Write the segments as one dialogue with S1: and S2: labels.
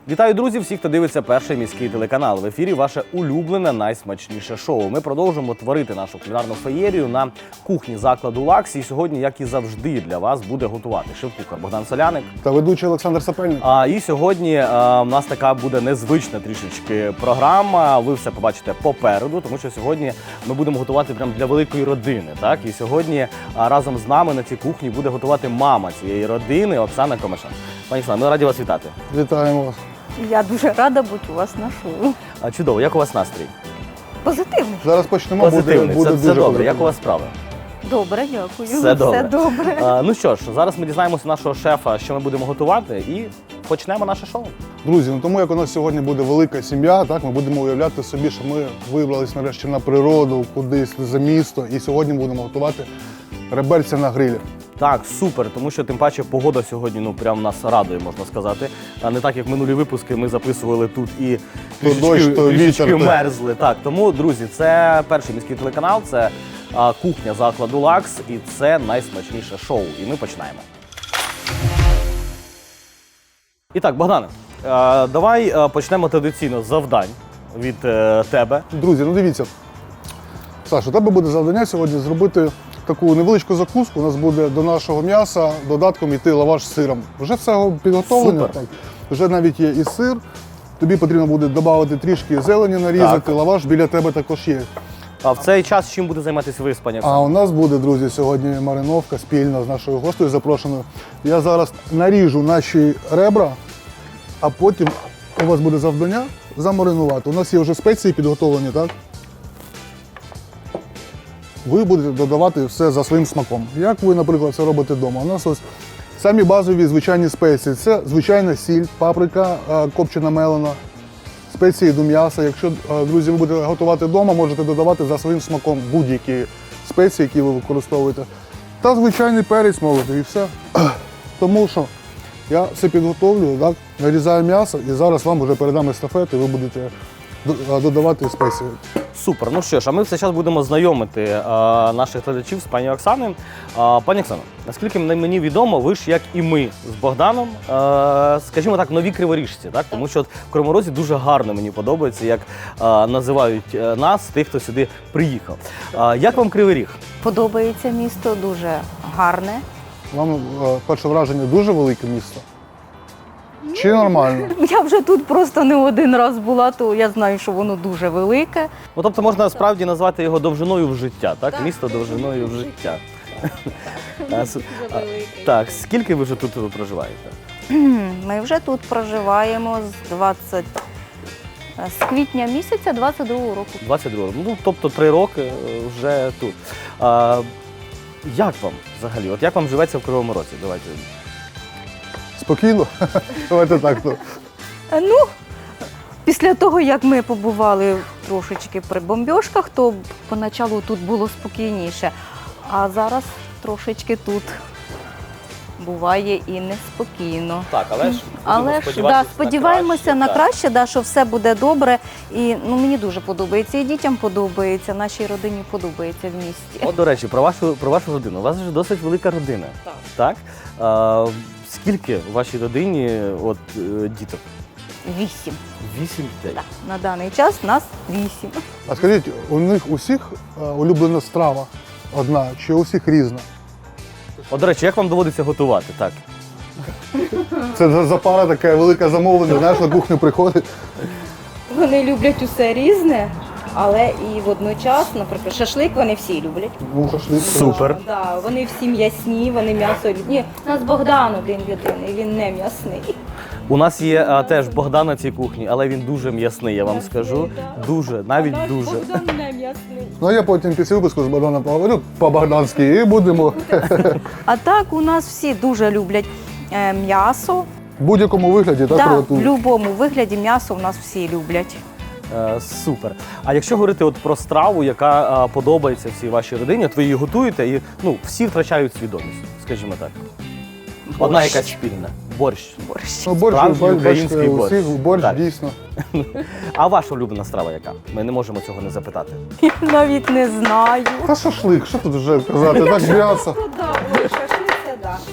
S1: Вітаю, друзі! Всіх, хто дивиться перший міський телеканал. В ефірі ваше улюблене, найсмачніше шоу. Ми продовжуємо творити нашу кулінарну феєрію на кухні закладу «Лакс». І сьогодні, як і завжди, для вас буде готувати шеф-кухар Богдан Соляник
S2: та ведучий Олександр Сапельник.
S1: І сьогодні у нас така буде незвична трішечки програма. Ви все побачите попереду, тому що сьогодні ми будемо готувати прямо для великої родини. Так? І сьогодні разом з нами на цій кухні буде готувати мама цієї родини Оксана Комишан. Пані Оксана, ми раді вас вітати.
S2: Вітаємо вас.
S3: Я дуже рада бути у вас на шоу.
S1: Чудово, як у вас настрій?
S3: Позитивний.
S2: Зараз почнемо,
S1: Позитивний,
S2: буде
S1: це
S2: дуже
S1: добре. Як у вас справи?
S3: Добре, дякую.
S1: Все добре.
S3: Все добре.
S1: Ну що ж, зараз ми дізнаємося нашого шефа, що ми будемо готувати, і почнемо наше шоу.
S2: Друзі, тому як у нас сьогодні буде велика сім'я, так ми будемо уявляти собі, що ми вибрались нарешті на природу, кудись за місто, і сьогодні будемо готувати реберця на грилі.
S1: Так, супер, тому що тим паче погода сьогодні прям нас радує, можна сказати. Не так, як минулі випуски ми записували тут і трішечки мерзли. Так, тому, друзі, це перший міський телеканал, це кухня закладу «Лакс» і це найсмачніше шоу. І ми починаємо. І так, Богдане, давай почнемо традиційно з завдань від тебе.
S2: Друзі, ну дивіться, Саша, у тебе буде завдання сьогодні зробити таку невеличку закуску. У нас буде до нашого м'яса додатком йти лаваш з сиром. Вже все підготовлено. Так. Вже навіть є і сир. Тобі потрібно буде додати трішки зелені нарізати, так. Лаваш біля тебе також є.
S1: А в цей час чим буде займатися ви, пані Оксана?
S2: А у нас буде, друзі, сьогодні мариновка спільно з нашою гостею запрошеною. Я зараз наріжу наші ребра, а потім у вас буде завдання замаринувати. У нас є вже спеції підготовлені, так? Ви будете додавати все за своїм смаком. Як ви, наприклад, це робите вдома? У нас ось самі базові звичайні спеції. Це звичайна сіль, паприка копчена мелена, спеції до м'яса. Якщо, друзі, ви будете готувати вдома, можете додавати за своїм смаком будь-які спеції, які ви використовуєте. Та звичайний перець молотий і все. Тому що я все підготовлю, так, нарізаю м'ясо і зараз вам вже передам естафету і ви будете додавати спеції.
S1: Супер. Ну що ж, а ми все час будемо знайомити наших глядачів з пані Оксаною. Пані Оксано, наскільки мені відомо, ви ж, як і ми з Богданом, скажімо так, нові криворіжці, так? Тому що в Кривому Розі дуже гарно мені подобається, як називають нас, тих, хто сюди приїхав. Як вам Кривий Ріг?
S3: Подобається місто, дуже гарне.
S2: Вам перше враження дуже велике місто? Чи нормально?
S3: Я вже тут просто не один раз була, то я знаю, що воно дуже велике.
S1: Ну, тобто можна справді назвати його довжиною в життя, так? Місто довжиною в життя. Так, скільки ви вже тут проживаєте?
S3: Ми вже тут проживаємо з квітня місяця 22-го року.
S1: 22-го. Ну, тобто 3 роки вже тут. Як вам взагалі? От як вам живеться в Кривому Розі? Давайте.
S2: Спокійно? Давайте так.
S3: Ну, після того, як ми побували трошечки при бомбьошках, то поначалу тут було спокійніше. А зараз трошечки тут буває і неспокійно.
S1: Так,
S3: але ж сподіваємося на краще, що все буде добре. І мені дуже подобається, і дітям подобається, нашій родині подобається в місті.
S1: От, до речі, про вашу родину. У вас вже досить велика родина. Так? Скільки у вашій родині діток?
S3: 8.
S1: 8 дітей?
S3: Так, на даний час нас 8.
S2: А скажіть, у них усіх улюблена страва одна, чи у всіх різна?
S1: От, до речі, як вам доводиться готувати? Так.
S2: Це за пара така велика замовлення, знаєш, на кухню приходить.
S3: Вони люблять усе різне, але і водночас, наприклад, шашлик вони всі люблять.
S2: Ну, шашлик.
S1: Супер.
S3: Да, вони всі м'ясні, вони м'ясо люблять. Ні, у нас Богдан один єдиний, він не м'ясний.
S1: У нас є теж Богдан на цій кухні, але він дуже м'ясний, я вам скажу. Дуже, навіть дуже.
S3: Богдан не м'ясний.
S2: Ну, а я потім після випуску з Богданом поговорю по-богданськи і будемо.
S3: А так у нас всі дуже люблять м'ясо.
S2: В будь-якому вигляді, так?
S3: Так, в
S2: приготують?
S3: будь-якому вигляді м'ясо у нас всі люблять.
S1: Супер. А якщо говорити про страву, яка подобається всій вашій родині, от ви її готуєте і всі втрачають свідомість, скажімо так. Одна якась спільна. Борщ.
S2: Ну, борщ,
S1: Справжній український
S2: бачите,
S1: борщ.
S2: усіх борщ,
S1: Так.
S2: дійсно.
S1: А ваша улюблена страва яка? Ми не можемо цього не запитати.
S3: Я навіть не знаю.
S2: Та шашлик, що тут вже казати, так м'ясо.
S3: Шашлик це да.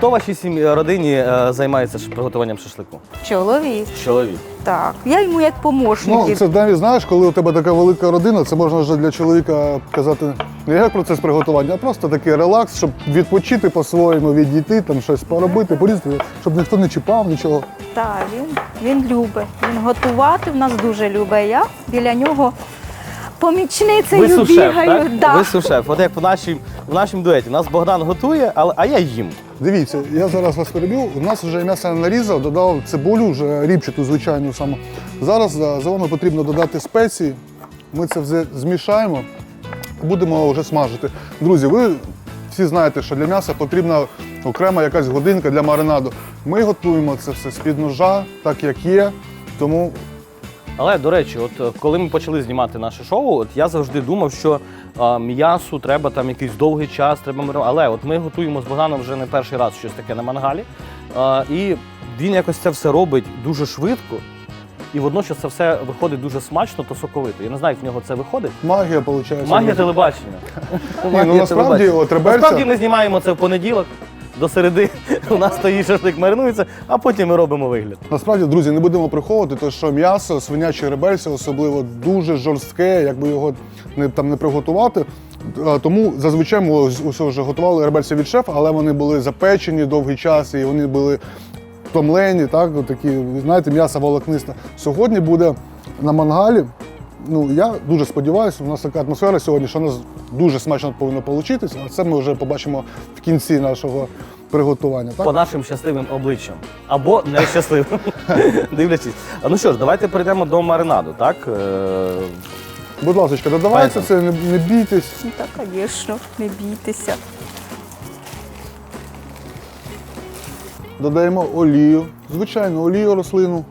S1: Хто в вашій родині займається приготуванням шашлику?
S3: Чоловік.
S1: Чоловік.
S3: Так. Я йому як помощник.
S2: Ну, це навіть, знаєш, коли у тебе така велика родина, це можна вже для чоловіка казати не як процес приготування, а просто такий релакс, щоб відпочити по-своєму, відійти, там щось поробити, порізати, щоб ніхто не чіпав, нічого.
S3: Так, він любить. Він готувати в нас дуже любить. Я біля нього помічницею
S1: Ви сушеф,
S3: бігаю.
S1: так?
S3: Да.
S1: Ви сушеф. От як в нашому дуеті. У нас Богдан готує, а я їм.
S2: Дивіться, я зараз вас перебив. У нас вже м'ясо нарізав, додав цибулю, вже рібчату, звичайну саму. Зараз за вами потрібно додати спеції. Ми це все змішаємо, будемо вже смажити. Друзі, ви всі знаєте, що для м'яса потрібна окрема якась годинка для маринаду. Ми готуємо це все з-під ножа, так як є. Тому
S1: Але, до речі, от коли ми почали знімати наше шоу, от я завжди думав, що м'ясу треба там якийсь довгий час, треба але от ми готуємо з Богданом вже не перший раз щось таке на мангалі. І він якось це все робить дуже швидко, і водночас це все виходить дуже смачно та соковито. Я не знаю, як в нього це виходить.
S2: магія виходить.
S1: Магія телебачення.
S2: ну, насправді, от реберця-
S1: Насправді ми знімаємо це в понеділок. До середи у нас стоїть шашлик, маринується, а потім ми робимо вигляд.
S2: Насправді, друзі, не будемо приховувати, то що м'ясо, свиняче реберця особливо дуже жорстке, якби його не приготувати. Тому зазвичай ми ось вже готували реберця від шефа, але вони були запечені довгий час і вони були втомлені, так, от такі, знаєте, м'ясо волокнисте. Сьогодні буде на мангалі. Ну, я дуже сподіваюся, у нас така атмосфера сьогодні, що у нас дуже смачно повинно вийти, а це ми вже побачимо в кінці нашого приготування. Так?
S1: По нашим щасливим обличчям. Або нещасливим. Дивлячись. Ну що ж, давайте перейдемо до маринаду, так?
S2: Будь ласка, додавайте це, не бійтесь.
S3: Ну, так, звісно, не бійтеся.
S2: Додаємо олію, звичайну олію рослину.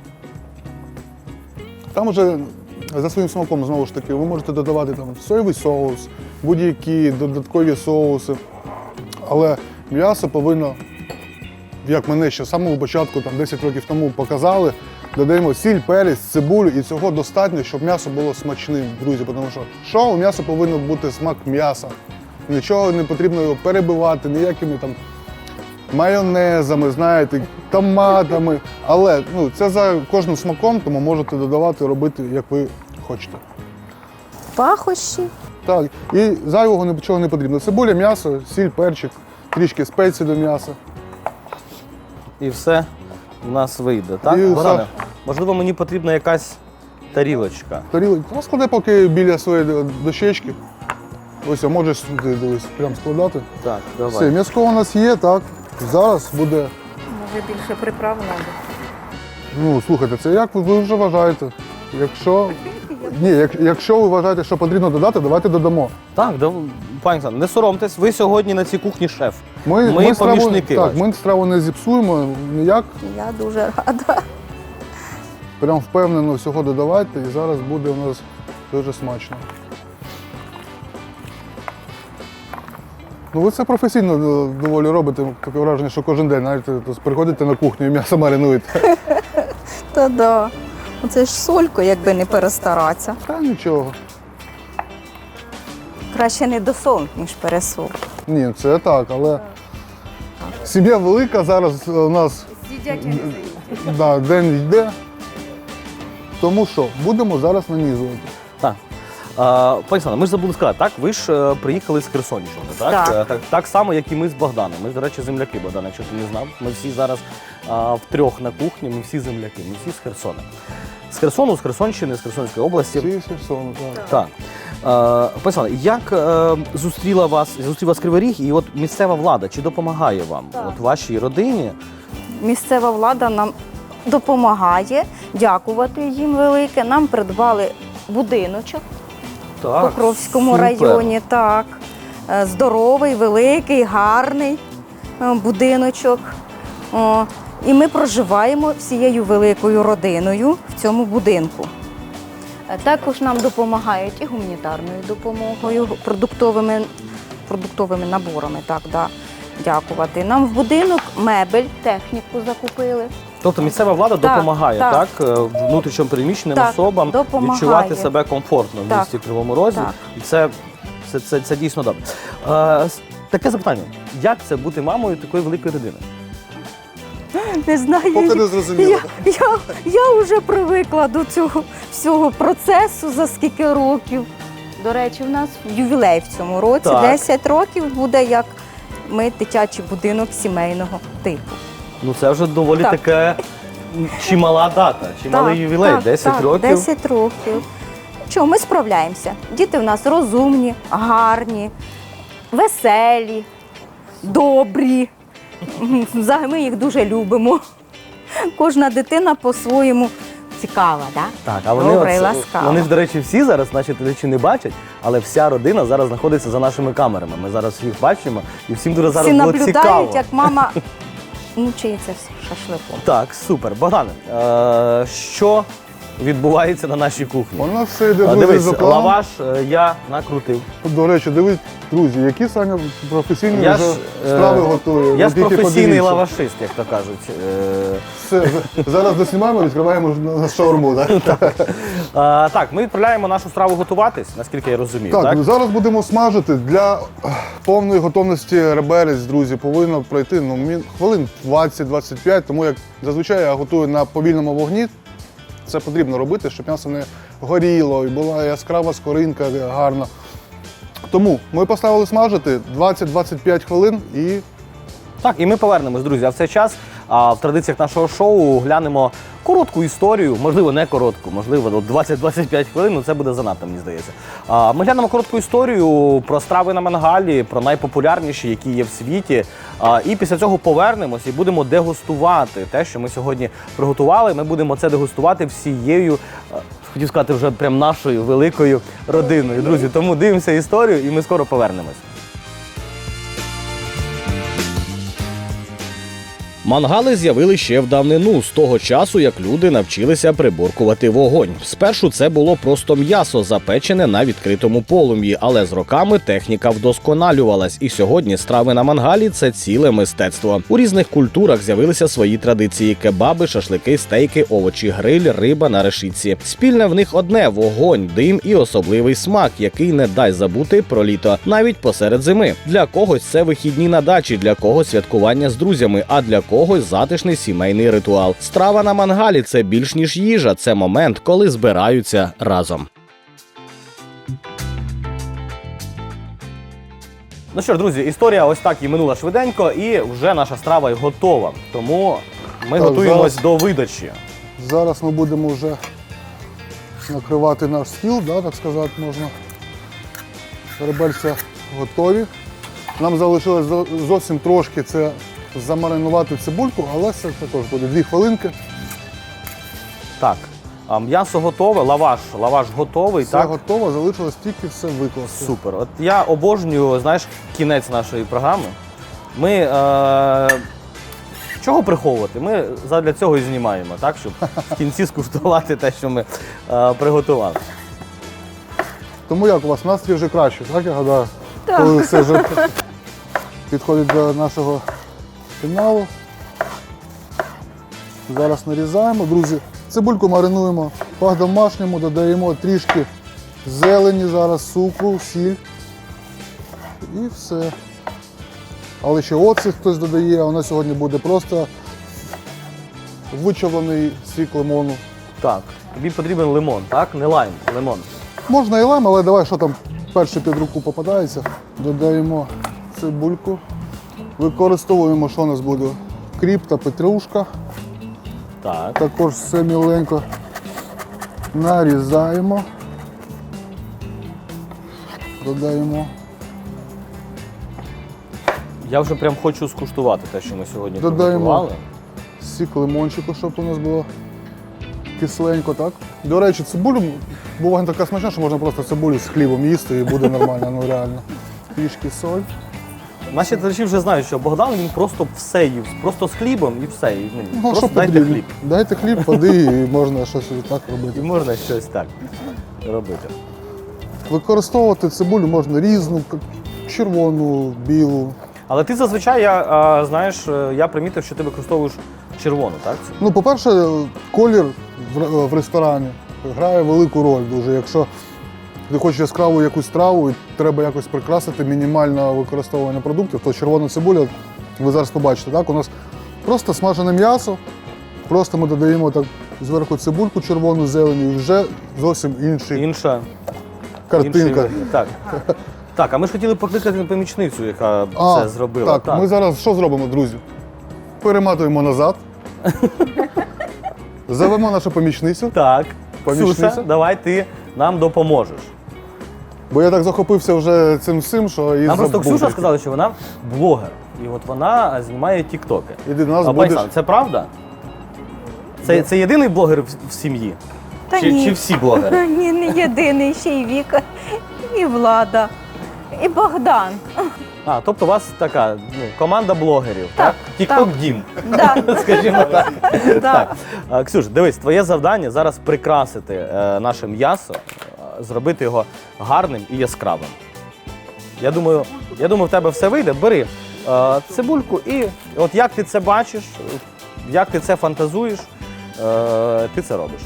S2: Там вже за своїм смаком, знову ж таки, ви можете додавати там соєвий соус, будь-які додаткові соуси. Але м'ясо повинно, як мене ще з самого початку, там 10 років тому показали, додаємо сіль, перець, цибулю, і цього достатньо, щоб м'ясо було смачним, друзі. Тому що у м'яса повинен бути смак м'яса. Нічого не потрібно його перебивати, ніякими там майонезами, знаєте, томатами. Але це за кожним смаком, тому можете додавати, робити, як ви хочете.
S3: Пахощі.
S2: Так, і зайвого нічого не потрібно. Цибуля, м'ясо, сіль, перчик, трішки спецій до м'яса.
S1: І все у нас вийде, так?
S2: І
S1: Богдане,
S2: все.
S1: можливо, мені потрібна якась тарілочка.
S2: Розклади поки біля своєї дощечки. Ось, а можеш сюди, дивись, прямо складати.
S1: Так,
S2: Все,
S1: давай.
S2: м'яско у нас є, так. Зараз буде.
S3: Може більше приправ треба.
S2: Ну, слухайте, це як ви вже вважаєте. Якщо ви вважаєте, що потрібно додати, давайте додамо.
S1: Так, пані Оксано, не соромтесь, ви сьогодні на цій кухні шеф. Ми
S2: страву,
S1: помічники
S2: так,
S1: ваші.
S2: ми страву не зіпсуємо ніяк.
S3: Я дуже рада.
S2: Прям впевнено всього додавайте, і зараз буде у нас дуже смачно. Ну, ви це професійно доволі робите, таке враження, що кожен день, знаєте, приходите на кухню і м'ясо маринуєте.
S3: Та да. Оце ж солько, якби не перестаратися.
S2: Та нічого.
S3: Краще не досол, ніж пересол.
S2: Ні, це так, але сім'я велика, зараз у нас день йде. Тому що, будемо зараз нанізувати.
S1: Так. Пані Оксано, ми ж забули сказати, так? Ви ж приїхали з Херсонщини, так?
S3: Так.
S1: Так само, як і ми з Богданом. Ми, до речі, земляки, Богдан, якщо ти не знав. Ми всі зараз втрьох на кухні, ми всі земляки, ми всі з Херсона. З Херсону, з Херсонщини, з Херсонської області.
S2: Всі з Херсону, так.
S1: Так. Пані Оксано, як зустрів вас Кривий Ріг і от місцева влада, чи допомагає вам, от вашій родині?
S3: Місцева влада нам допомагає, дякувати їм велике. Нам придбали будиночок в
S1: Так,
S3: Покровському
S1: супер.
S3: районі. Так. Здоровий, великий, гарний будиночок. І ми проживаємо всією великою родиною в цьому будинку. Також нам допомагають і гуманітарною допомогою, продуктовими наборами. Так, да. Дякувати. Нам в будинок мебель, техніку закупили.
S1: Тобто місцева влада
S3: Так,
S1: допомагає,
S3: так.
S1: внутрішньо переміщеним
S3: Так,
S1: особам
S3: допомагає.
S1: відчувати себе комфортно в
S3: Так,
S1: місті Кривому Розі.
S3: так.
S1: І це дійсно добре. таке запитання. Як це бути мамою такої великої родини?
S3: Не знаю.
S2: Поки не зрозуміло.
S3: Я вже привикла до цього всього процесу за скільки років. До речі, у нас ювілей в цьому році.
S1: Так.
S3: 10 років буде, як ми дитячий будинок сімейного типу.
S1: Ну це вже доволі
S3: Так.
S1: таке чимала дата, чималий ювілей, 10 років.
S3: 10 років. Чого, ми справляємося. Діти в нас розумні, гарні, веселі, добрі. Взагалі ми їх дуже любимо. Кожна дитина по-своєму цікава, так?
S1: Так, а вони,
S3: Добра і
S1: от,
S3: ласкава.
S1: вони ж, до речі, всі зараз, наші глядачі не бачать, але вся родина зараз знаходиться за нашими камерами. Ми зараз їх бачимо, і всім дуже зараз
S3: Всі
S1: було
S3: наблюдають,
S1: цікаво.
S3: як мама мучається шашликом.
S1: Так, супер. Богдане, що відбувається на нашій кухні?
S2: У нас все йде, друзі,
S1: Дивись,
S2: за планом.
S1: лаваш я накрутив.
S2: До речі, дивись, друзі, які Саня професійні
S1: Я
S2: вже
S1: ж,
S2: страви готує.
S1: Я
S2: Ви
S1: ж
S2: тільки
S1: професійний
S2: подивіться.
S1: лавашист, як то кажуть.
S2: Все, зараз доснімаємо, відкриваємо на шаурму. Так?
S1: Так, ми відправляємо нашу страву готуватись, наскільки я розумію.
S2: Так,
S1: Так,
S2: зараз будемо смажити. Для повної готовності реберець, друзі, повинно пройти хвилин 20-25, тому як зазвичай я готую на повільному вогні. Це потрібно робити, щоб м'ясо не горіло і була яскрава скоринка гарна. Тому ми поставили смажити 20-25 хвилин і
S1: Так, і ми повернемось, друзі. А в цей час в традиціях нашого шоу глянемо коротку історію, можливо, не коротку, можливо, 20-25 хвилин, ну це буде занадто, мені здається. Ми глянемо коротку історію про страви на мангалі, про найпопулярніші, які є в світі. І після цього повернемось і будемо дегустувати те, що ми сьогодні приготували. Ми будемо це дегустувати всією, хотів сказати, вже прям нашою великою родиною. Друзі, тому дивимося історію і ми скоро повернемось. Мангали з'явили ще в давнину, з того часу, як люди навчилися приборкувати вогонь. Спершу це було просто м'ясо, запечене на відкритому полум'ї, але з роками техніка вдосконалювалась, і сьогодні страви на мангалі – це ціле мистецтво. У різних культурах з'явилися свої традиції – кебаби, шашлики, стейки, овочі, гриль, риба на решітці. Спільне в них одне – вогонь, дим і особливий смак, який не дай забути про літо, навіть посеред зими. Для когось це вихідні на дачі, для когось святкування з друзями, а для когось затишний сімейний ритуал. Страва на мангалі – це більш ніж їжа, це момент, коли збираються разом. Ну що ж, друзі, історія ось так і минула швиденько, і вже наша страва готова. Тому ми
S2: Так,
S1: готуємось
S2: зараз-
S1: до видачі.
S2: зараз ми будемо вже накривати наш стіл, да, так сказати можна. Реберця готові. Нам залишилось зовсім трошки це замаринувати цибульку, але це також буде 2 хвилинки.
S1: Так, м'ясо готове, лаваш готовий,
S2: Все
S1: так?
S2: готово, залишилось тільки все викласти.
S1: Супер. От я обожнюю, знаєш, кінець нашої програми. Ми чого приховувати? Ми задля цього і знімаємо, так? Щоб в кінці скуштувати те, що ми приготували.
S2: Тому як у вас настрій вже краще, так я гадаю?
S3: Так.
S2: Коли все вже підходить до нашого фіналу. Зараз нарізаємо, друзі. Цибульку маринуємо по-домашньому, додаємо трішки зелені зараз, цукру, сіль і все. Але ще оцет хтось додає, а у нас сьогодні буде просто вичавлений сік лимону.
S1: Так, тобі потрібен лимон, так? Не лайм, лимон.
S2: Можна і лайм, але давай, що там перше під руку попадається. Додаємо цибульку. Використовуємо, що у нас буде? Кріп та петрушка.
S1: Так.
S2: Також все міленько нарізаємо. Додаємо.
S1: Я вже прям хочу скуштувати те, що ми сьогодні
S2: Додаємо.
S1: приготували.
S2: Сік лимончику, щоб у нас було кисленько, так? До речі, цибулю буває така смачна, що можна просто цибулю з хлібом їсти і буде нормально, ну реально. Трішки соль.
S1: Наші глядачі вже знають, що Богдан він просто все їв, просто з хлібом і все. І,
S2: Ну,
S1: просто
S2: що
S1: дайте
S2: потрібно?
S1: хліб.
S2: Дайте хліб, води і можна щось і так
S1: І
S2: робити.
S1: можна щось так робити.
S2: Використовувати цибулю можна різну, червону, білу.
S1: Але ти зазвичай, знаєш, я примітив, що ти використовуєш червону, так?
S2: Ну, по-перше, колір в ресторані грає велику роль дуже. Якщо ти хочеш яскраву якусь страву і треба якось прикрасити мінімальне використовування продуктів, то червона цибуля, ви зараз побачите, так? У нас просто смажене м'ясо, просто ми додаємо так зверху цибульку червону, зелені, і вже зовсім
S1: Інша
S2: картинка.
S1: інший- Так. Так, а ми ж хотіли покликати помічницю, яка це зробила.
S2: Так, ми зараз що зробимо, друзі? Перематуємо назад. Зовемо нашу помічницю,
S1: Так.
S2: Помічниця?
S1: Ксюша, давай ти нам допоможеш.
S2: бо я так захопився вже цим всім, що і
S1: Нам просто
S2: забув.
S1: Ксюша сказала, що вона блогер. І от вона знімає тіктоки.
S2: Іди до нас
S1: А
S2: будеш.
S1: Пані Сан, це правда? Це єдиний блогер в сім'ї?
S3: Та
S1: Чи,
S3: ні.
S1: чи всі блогери?
S3: Ні, не єдиний, ще й Віка, і Влада, і Богдан.
S1: А, тобто у вас така команда блогерів, так?
S3: Так,
S1: Тікток Дім,
S3: Да.
S1: скажімо так.
S3: Да.
S1: Так. Ксюш, дивись, твоє завдання зараз прикрасити наше м'ясо, зробити його гарним і яскравим. Я думаю, в тебе все вийде. Бери цибульку і от як ти це бачиш, як ти це фантазуєш, ти це робиш.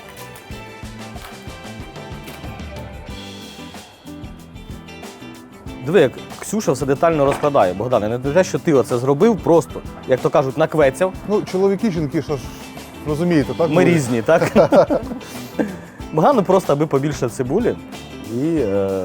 S1: Диви, як Ксюша все детально розкладає. Богдане, не те, що ти оце зробив, просто, як то кажуть, наквецяв.
S2: Ну, чоловіки, жінки, що ж, розумієте, так?
S1: Ми різні, так? Богдану просто, аби побільше цибулі. І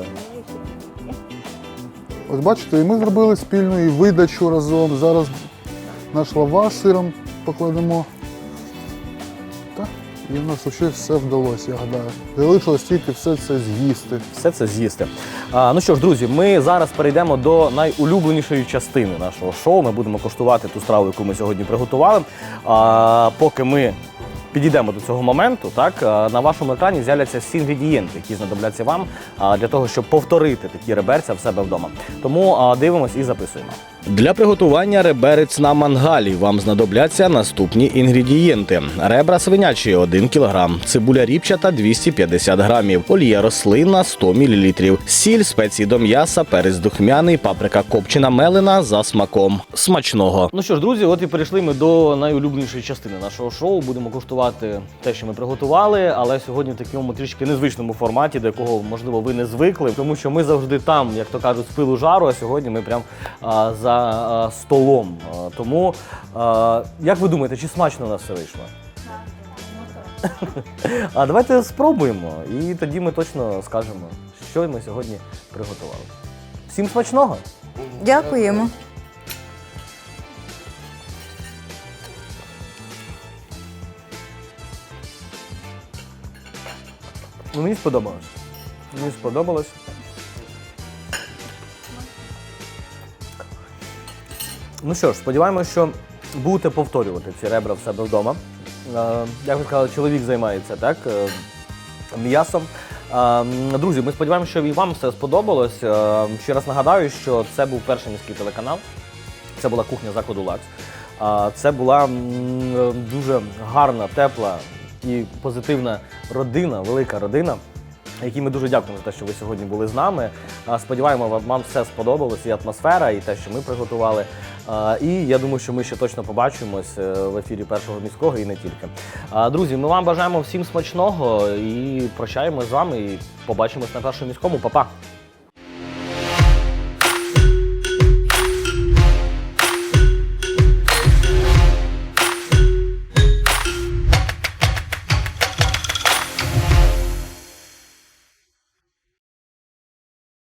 S2: Ось бачите, і ми зробили спільну і видачу разом. Зараз наш лаваш з сиром покладемо. Так, і в нас взагалі все вдалося, я гадаю. Залишилось тільки все це з'їсти.
S1: все це з'їсти. Ну що ж, друзі, ми зараз перейдемо до найулюбленішої частини нашого шоу. Ми будемо коштувати ту страву, яку ми сьогодні приготували. Поки ми підійдемо до цього моменту, так, на вашому екрані з'являться всі інгредієнти, які знадобляться вам для того, щоб повторити такі реберця в себе вдома. Тому дивимось і записуємо. Для приготування реберець на мангалі вам знадобляться наступні інгредієнти. Ребра свинячі – 1 кг, цибуля ріпчата – 250 грамів, олія рослинна – 100 мл, сіль, спеції до м'яса, перець духмяний, паприка копчена мелена за смаком. Смачного! Ну що ж, друзі, от і перейшли ми до найулюбленішої частини нашого шоу. Будемо куштувати те, що ми приготували, але сьогодні в такому трішки незвичному форматі, до якого, можливо, ви не звикли, тому що ми завжди там, як то кажуть, з пилу жару, а сьогодні ми прям за столом. Тому, як ви думаєте, чи смачно у нас все вийшло? А давайте спробуємо, і тоді ми точно скажемо, що ми сьогодні приготували. Всім смачного!
S3: Дякуємо.
S1: Ну, мені сподобалось. Мені сподобалось. Ну що ж, сподіваємося, що будете повторювати ці ребра в себе вдома. Як ви сказали, чоловік займається, так, м'ясом. Друзі, ми сподіваємося, що і вам все сподобалось. Ще раз нагадаю, що це був перший міський телеканал. Це була кухня закладу «Лакс». Це була дуже гарна, тепла і позитивна родина, велика родина, якій ми дуже дякуємо за те, що ви сьогодні були з нами. Сподіваємося, вам все сподобалось, і атмосфера, і те, що ми приготували. І я думаю, що ми ще точно побачимось в ефірі Першого міського і не тільки. Друзі, ми вам бажаємо всім смачного і прощаємось з вами, і побачимось на Першому міському. Па-па!